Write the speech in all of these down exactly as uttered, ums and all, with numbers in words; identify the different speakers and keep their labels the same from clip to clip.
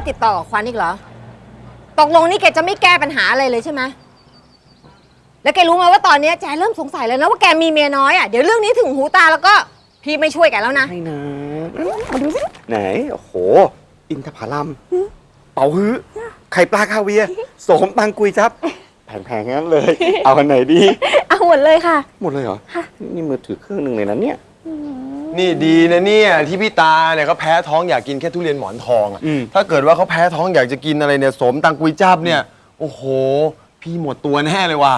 Speaker 1: กติดต่อกับขวัญอีกเหรอตกลงนี่แกจะไม่แก้ปัญหาอะไรเลยใช่ไหมแล้วแกรู้ไหมว่าตอนนี้แจเริ่มสงสัยแล้วนะว่าแกมีเมียน้อยอ่ะเดี๋ยวเรื่องนี้ถึงหูตาแล้วก็พี่ไม่ช่วยแกแล้วนะ
Speaker 2: ใช่นะมาดูสิไหนโอ้โหอินทผลัมเป๋าฮื้อไข่ปลาคาเวียโสมตังกุยจับแพงๆงั้นเลย เอาอันไหนดี
Speaker 3: เอาหมดเลยค่ะ
Speaker 2: หมดเลยเหรอนี่มือถือเครื่องหนึ่งเลยนะเนี่ย
Speaker 4: นี่ดีนะเนี่ยที่พี่ตาเนี่ยเขาแพ้ท้องอยากกินแค่ทุเรียนหมอนทองอ่ะถ้าเกิดว่าเขาแพ้ท้องอยากจะกินอะไรเนี่ยสมตังกุยจับเนี่ยโอ้โหพี่หมดตัวแน่เลยว่ะ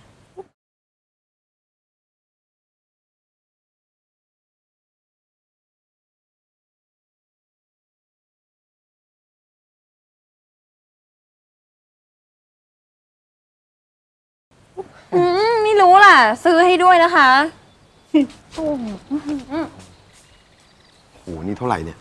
Speaker 3: อืมไม่รู้ล่ะซื้อให้ด้วยนะคะ
Speaker 4: โอ้โหนี่เท่าไหร่เนี่ย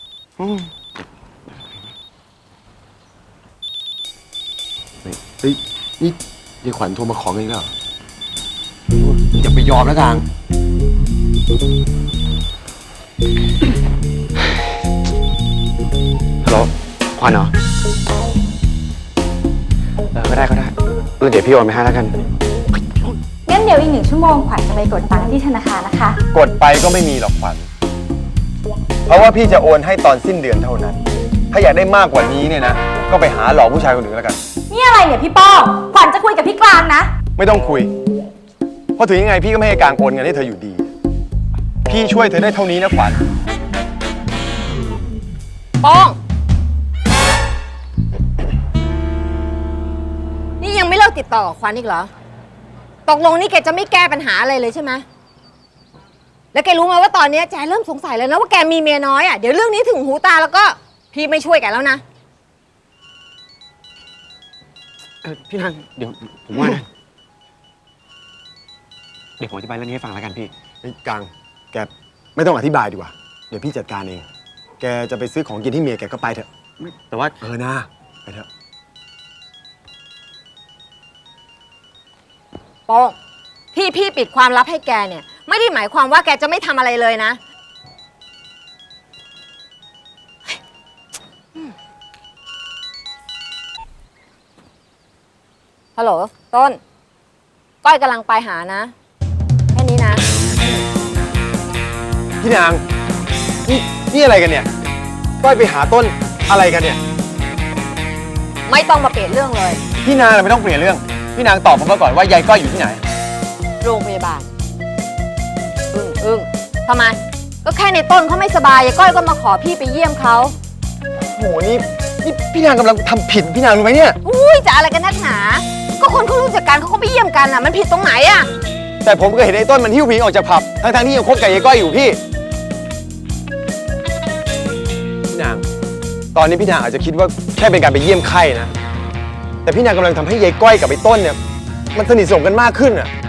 Speaker 4: เฮ้ยนี่ยายขวัญโทรมาขอเงินแล้วอย่าไปยอมนะกลาง
Speaker 2: ฮัลโหลขวัญเหรอเออก็ได้ก็ได้เออเดี๋ยวพี่โอนไปให้แล้วกัน
Speaker 3: งั้นเดี๋ยวอีกหนึ่งชั่วโมงขวัญจะไปกดตังค์ที่ธนาคารนะคะ
Speaker 4: กดไปก็ไม่มีหรอกขวัญเพราะว่าพี่จะโอนให้ตอนสิ้นเดือนเท่านั้นถ้าอยากได้มากกว่านี้เนี่ยนะก็ไปหาหลอกผู้ชายคนอื่นแล้วกัน
Speaker 3: นี่อะไรเนี่ยพี่ป้องขวัญจะคุยกับพี่กลางนะ
Speaker 4: ไม่ต้องคุยเพราะถึงยังไงพี่ก็ไม่ให้กลางโอนเงินให้เธออยู่ดีพี่ช่วยเธอได้เท่านี้นะขวัญ
Speaker 1: ป้องนี่ยังไม่เลิกติดต่อกับขวัญอีกเหรอตกลงนี่แกจะไม่แก้ปัญหาอะไรเลยใช่ไหมแล้วแกรู้ไหมว่าตอนนี้แจเริ่มสงสัยแล้วนะว่าแกมีเมียน้อยอ่ะเดี๋ยวเรื่องนี้ถึงหูตาแล้วก็พี่ไม่ช่วยแกแล้วนะ
Speaker 2: เออพี่นางเดี๋ยวผมว่านะเดี๋ยวผมอธิบายเรื่องนี้ให้ฟังแล้วกันพี่
Speaker 4: ไอ้กลางแกไม่ต้องอธิบายดีกว่าเดี๋ยวพี่จัดการเองแกจะไปซื้อของกินที่เมียแกก็ไปเถอะ
Speaker 2: แต่ว่า
Speaker 4: เออนะไปเถอะ
Speaker 1: ป้องที่พี่ปิดความลับให้แกเนี่ยไม่ได้หมายความว่าแกจะไม่ทำอะไรเลยนะฮัลโหลต้นก้อยกำลังไปหานะแค่นี้นะ
Speaker 4: พี่นางนี่นี่อะไรกันเนี่ยก้อยไปหาต้นอะไรกันเนี่ย
Speaker 1: ไม่ต้องมาเปลี่ยนเรื่องเลย
Speaker 4: พี่นางไม่ต้องเปลี่ยนเรื่องพี่นางตอบผมมาก่อนว่ายายก้อยอยู่ที่ไหน
Speaker 1: โรงพยาบาลอึ้งอึ้งทำไมก็แค่ในต้นเขาไม่สบายยายก้อยก็มาขอพี่ไปเยี่ยมเขา
Speaker 4: โหนี่นี่พี่นางกำลังทำผิดพี่นางรู้ไหมเนี่ย
Speaker 1: อุ้ยจะอะไรกันนักหนาก็คนเขารู้จักกันเขาก็ไปเยี่ยมกันอ่ะมันผิดตรงไหนอ่ะ
Speaker 4: แต่ผมก็เห็นไอ้ต้นมันหิ้วผีออกจากผับทั้งทั้งที่ยังคบกับยายก้อยอยู่พี่พี่นางตอนนี้พี่นางอาจจะคิดว่าแค่เป็นการไปเยี่ยมไข้นะแต่พี่นางกำลังทำให้ยายก้อยกับไอ้ต้นเนี่ยมันสนิทสนมกันมากขึ้นอ่ะ